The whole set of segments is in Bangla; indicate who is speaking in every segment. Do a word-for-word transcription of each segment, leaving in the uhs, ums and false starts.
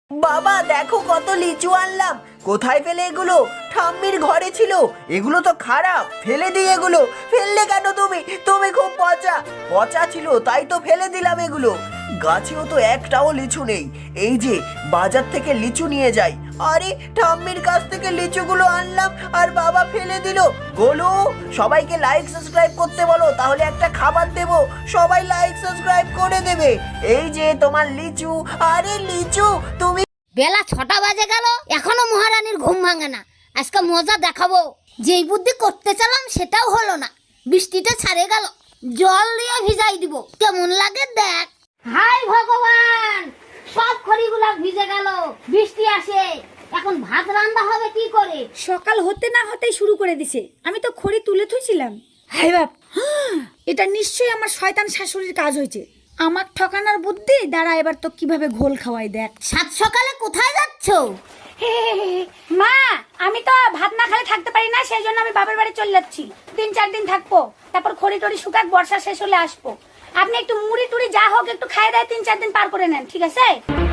Speaker 1: বাবা দেখো কত লিচু আনলাম। কোথায় ফেলে এগুলো? ঠাম্মির ঘরে ছিল। এগুলো তো খারাপ, ফেলে দিই এগুলো। ফেললে কেন তুমি? তুমি খুব পচা পচা ছিল, তাই তো ফেলে দিলাম এগুলো। গাছেও তো একটাও লিচু নেই। এই যে বাজার থেকে লিচু নিয়ে যাই। আরে ঠাম্মির কাছ থেকে লিচুগুলো আনলাম আর বাবা ফেলে দিল। গোলু, সবাইকে লাইক সাবস্ক্রাইব করতে বলো, তাহলে একটা খাবার দেব। সবাই লাইক সাবস্ক্রাইব করে দেবে। এই যে তোমার লিচু। আরে লিচু তুমি।
Speaker 2: বেলা ছটা বাজে গেল, এখনো মহারানীর ঘুম ভাঙে না। আজকে মজা দেখাবো। যেই বুদ্ধি করতে চালাম সেটাও হলো না। বৃষ্টিটা ছাড়ে গেল, জল দিয়ে ভিজাই দিব। কেমন লাগে দেখ। হাই ভগবান, সব খড়িগুলা ভিজে গেল। বৃষ্টি আসে, এখন ভাত রান্না হবে কি করে?
Speaker 3: সকাল হতে না হতেই শুরু করে দিছে। আমি তো খড়ি তুলে থুইছিলাম। হাই বাপ, এটা নিশ্চয়ই আমার শয়তান শাশুড়ির কাজ হয়েছে। আমার ঠকানোর বুদ্ধি দাঁড়া, এবার তো কিভাবে ঘোল খাওয়াই দেখ।
Speaker 2: সাত সকালে কোথায় যাচ্ছ?
Speaker 3: মা, আমি তো ভাত না খেলে থাকতে পারি না, সেই জন্য আমি বাবার বাড়ি চলে যাচ্ছি। তিন চার দিন থাকবো, তারপর খড়ি টড়ি শুকাক, বর্ষা শেষ হলে আসবো। আপনি একটু মুড়ি টুড়ি যা হোক একটু খাই দেয়, তিন চার দিন পার করে নেন, ঠিক আছে?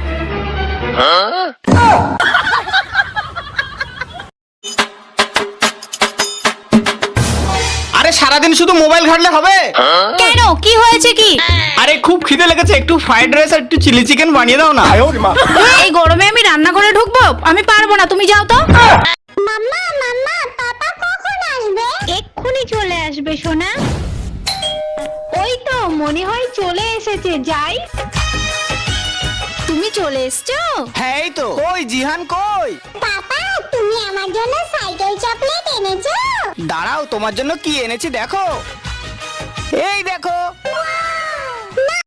Speaker 4: আরে সারাদিন শুধু মোবাইল ঘাটলে হবে?
Speaker 3: কেন, কি হয়েছে কি?
Speaker 4: আরে খুব খিদে লেগেছে, একটু ফ্রাইড রাইস আর একটু চিলি চিকেন বানিয়ে দাও না।
Speaker 3: এই গরমে আমি রান্না করে ঢুকবো? আমি পারবো না, তুমি যাও তো।
Speaker 2: মাম্মা মাম্মা, পাপা কখন আসবে?
Speaker 5: এক্ষুনি চলে আসবে সোনা। ওই তো মনে হয় চলে এসেছে, যাই। তুমি চলে এসছো?
Speaker 4: হ্যাঁ এই তো। কই জিহান কই?
Speaker 2: পাপা তুমি আমার জন্য সাইকেল চকলেট এনেছো?
Speaker 4: দাঁড়াও, তোমার জন্য কি এনেছি দেখো। এই দেখো।